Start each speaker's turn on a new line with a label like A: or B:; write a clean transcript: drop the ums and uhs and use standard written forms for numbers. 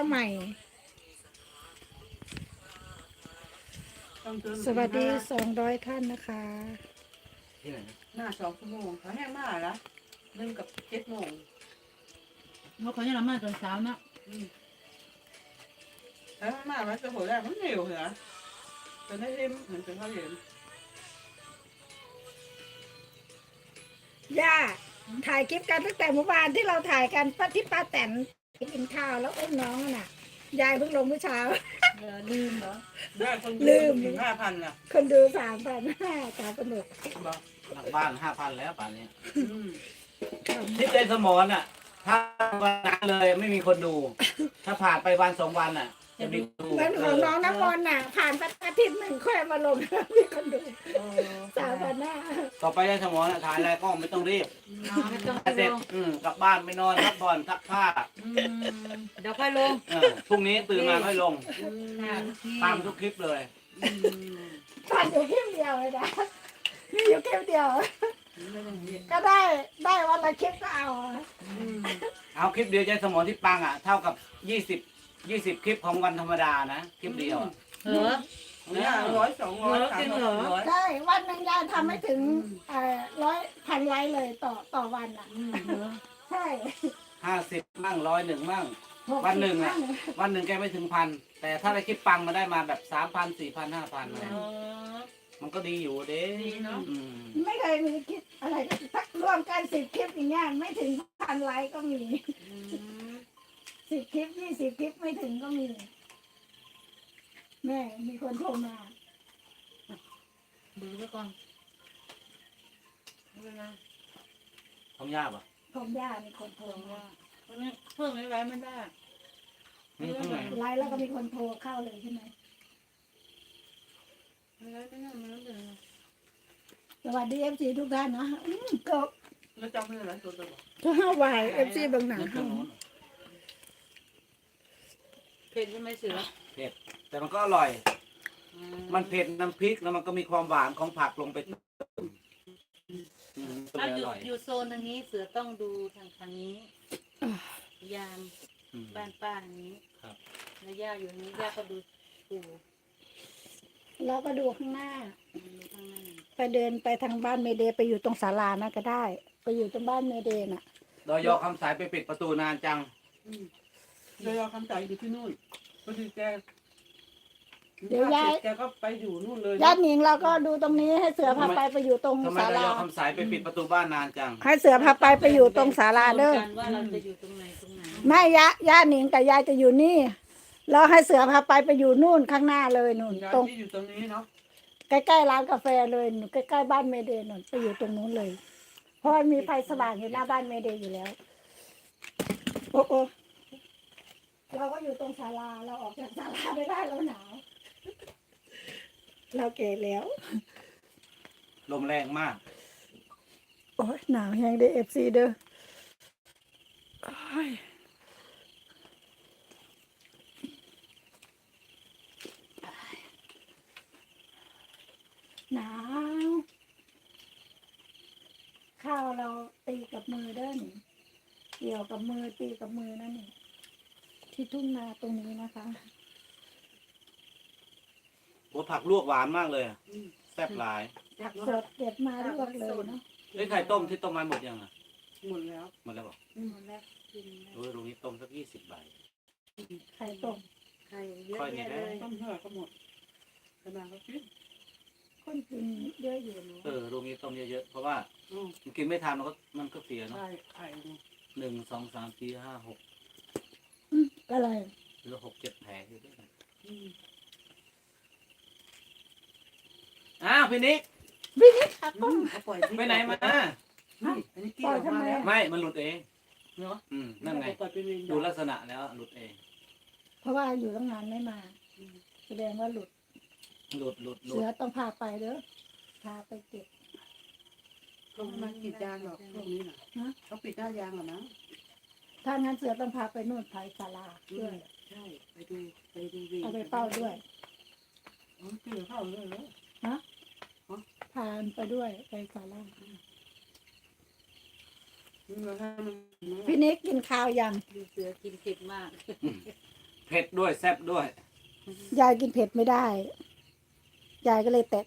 A: ใหม่
B: ต้องเติม
A: สวัสดี200ท่านนะคะ
C: ที่ไหนนะ
B: หน้า2 ชั่วโมงเขาแห้งมากละ1 กับ 7 โมง
D: เขาขอให้เรามาตอนเช้านะ
B: แล้วมามันจะหัวแรกมันเหนียวเหรอจะได้เห็นเหมือนเป็นข้าวเหนียว
A: ย่าถ่ายคลิปกันตั้งแต่เมื่อวานที่เราถ่ายกันที่ป้าแตนกินข้าวแล้วอุ้มน้องน่ะยายเพิ่งลงเมื่อเช้า
D: ลืมเหรอ
B: ได้คน
A: ลืม
B: ถึง5,000น่ะ
A: คนดู3,5003,600
B: บอก
C: หลังบ้าน5,000แล้วป่านนี้
B: อืม
C: ทิศใจสมอนอ่ะ ถ้าวันนั้นเลยไม่มีคนดู ถ้าผ่านไปวัน2 วันอ่ะ จะมีคนดู
A: เหมือนของน้องน้ำมนต์น่ะ ผ่านไปอาทิตย์หนึ่งค่อยมาลง มีคนดู
B: เออ
A: 3,500
C: ต่อไปได้สมอนอ่ะถ่ายอะไรก็ไม่ต้องรีบ
D: ไม่ต้อง
C: เสร็จกลับบ้านไปนอนพักผ่อนซักผ้า
D: เดี๋ยวค่อยลง
C: พรุ่งนี้ตื่นมาค่อยลง
D: ที่
C: ตามทุกคลิปเลย
A: ผ่านอยู่คลิปเดียวเลยนะมีอยู่คลิปเดียว
B: ไม่ต้องเรียน
A: ก็ได้วันละคลิปก็เอา
C: เอาคลิปเดียวใจสมอนที่ปังอ่ะเท่ากับ20คลิปของวันธรรมดานะคลิปเดียวอะ
D: เหรอ
B: เนี่ย100 200
D: จริงเหรอ
B: 300
A: ใช่วันหนึ่งยายทำไม่ถึง100,000 ไลค์เลยต่อวันอ่ะใช่
C: 50มั่ง101มั่ง
A: 60
C: วันหนึ่งอะ
A: มั่
C: วันหนึ่งแกไม่ถึงพันแต่ถ้าได้คลิปปังมาได้มาแบบ3,000 4,000 5,000อะไรมันก็ดีอยู่เด้
D: ดีเนาะ
C: อืม
A: ไม่เคยมีคลิปอะไรสักรวมกัน10 คลิปอย่างเงี้ยไม่ถึง1,000 ไลค์ก็มี10 คลิป20 คลิปไม่ถึงก็มี แม่มีคนโทรมา
D: ดูไว้ก่อนไม่เป็นไร
C: ทำยากป่ะ
A: ผมย่ามีคนโทร
D: เพิ่ม
A: มา
D: ว่าเพิ่มไว้ไม่ได้
C: นี่ข้างใน
A: ไลค์แล้วก็มีคนโทรเข้าเลยใช่ไหม
D: ไม่ได้ไม่ได้ไม่ได้
A: สวัสดีFC ทุกท่านนะก็
B: แล้วจำไม่ได้ตัวตัวบอก
A: ก็ห้าวาย FC บางหนา
C: นึกถึงโน้น
D: เผ็ดใช่ไหมเสือ
C: แต่มันก็อร่อย มันเผ็ดน้ำพริกแล้วมันก็มีความหวานของผักลงไปก็
D: ถ้า
C: เลย
D: อ
C: อยู่ ร่อย
D: อยู่โซนทางนี้เสือต้องดูทางนี้ ยาม
C: อืม
D: บ้านป้าอย่างนี้
C: ครับ
D: แล้วย่าอยู่นี้ย่าก็ดูปู่
A: แล้วก็ดูข้างหน้า
D: ดูข้างหน้า
A: ไปเดินไปทางบ้านเมเดย์ไปอยู่ตรงศาลานะก็ได้ ไปอยู่ตรงบ้านเมเดย์น่ะ
C: ดอยอคำสายไปปิดประตูนานจัง
B: โดยเอาคำใจอยู่ที่นู่นพอดีแก
A: เดี๋ยวย้าย
B: แกก็ไปอยู่นู่นเลย
A: ญาติหนิงเราก็ดูตรงนี้ให้เสือพาไปอยู่ตรง
C: ทำไม
A: ศา
C: ดอย
A: ลา
C: อคำสายไปปิดประตูบ้านนานจัง
A: ให้เสือพาไปอยู่ตรงศาลาเด้อ
D: กันว่าเราจะอยู่ตรงไหนตรงไหน
A: ไม่ญาติหนิงกับยายจะอยู่นี่แล้วให้เสือพาไปอยู่นู่นข้างหน้าเลยนู่น
B: ย้าย
A: ตรง
B: ที่อยู่ตรงนี้เนาะ
A: ใกล้ๆร้านกาแฟเลยหนูใกล้ๆบ้านเมเดย์นู่นไปอยู่ตรงนู้นเลย เพราะมันมีไฟสว่างอยู่หน้าบ้านเมเดย์อยู่แล้วโอ้โอ้เราก็อยู่ตรงศาลาเราออกจากศาลาไม่ได้เราหนาวเราเก๋แล้ว
C: ลมแรงมาก
A: โอ้ยหนาวแฮงเด้FC เด้อโอ้ยหนาวข้าวเราตีกับมือเด้อนี่เกี่ยวกับมือตีกับมือนั่นนี่ที่ทุ่งนาตรงนี้นะคะ
C: โอ้ผักลวกหวานมากเลยอะแซ่บหลาย
B: อยาก
A: สดเด็ดมาลวกเลยเนาะ
C: เอ้ยไข่ต้มที่ต้มมาหมดยังอ่ะ
B: หมดแล้ว
C: หมดแล้วบอก
D: หมดแล้วกินแล้ว
C: โอ้ยตรงนี้ต้มสัก20 ใบ
A: ไข่ต้ม
D: ไข่เยอะ
C: ค่อยนี่
D: แยะ
C: ได้
D: เลย
B: ต้มเท่าไหร่ก็หมดขนาดก็คิด
A: คนกินเยอะอยู่เนาะ
C: ตรงนี้ต้มเยอะๆเพราะว่า
B: อืม
C: มันกินไม่ทันมันก็เสียเนาะ
B: ใช่ไข่ดู
C: 1 2 3 4 5 6
A: อะไร
C: หรือ6 7 แผลอยู่ด้วยกัน
B: อืม
C: อ้าวพี่นิก
A: วินิจค่ะ
B: อืมเขาปล่อยที่
C: ไปไหนมา
B: นี่อันนี้กี้ออกมาแล้ว
C: ไม่มันหลุดเอง
B: เนาะ
C: นั่นไง
B: ปล่อยเป็นเวร
C: ดูลักษณะแล้วหลุดเอง
A: เพราะว่าอยู่ตั้งนานไม่มาแสดงว่าหลุด
C: หลุด
A: เสือต้องพาไปเด้อพาไปเก็บ
B: ลงมาปิดยางหรอกพวกนี้น่ะ
A: ฮะ
B: เขาปิดหน้ายางหรอนะ
A: ถ้างั้นเสือต้องพาไปนู่นไผ่ศาลาด้วย
B: ใช่ไปดูเวร
A: เอาไปเป้าด้วย
B: อ๋อกินข้าวเลยเหรอ
A: พาไปด้วยไปศาลา
B: มึงเอาให้มัน
A: พี่นิกกินข้าวยัง
D: ดูเสือกินเผ็ดมาก
C: เผ็ดด้วยแซ่บด้วย
A: ยายกินเผ็ดไม่ได้ ยายก็เลยแตะ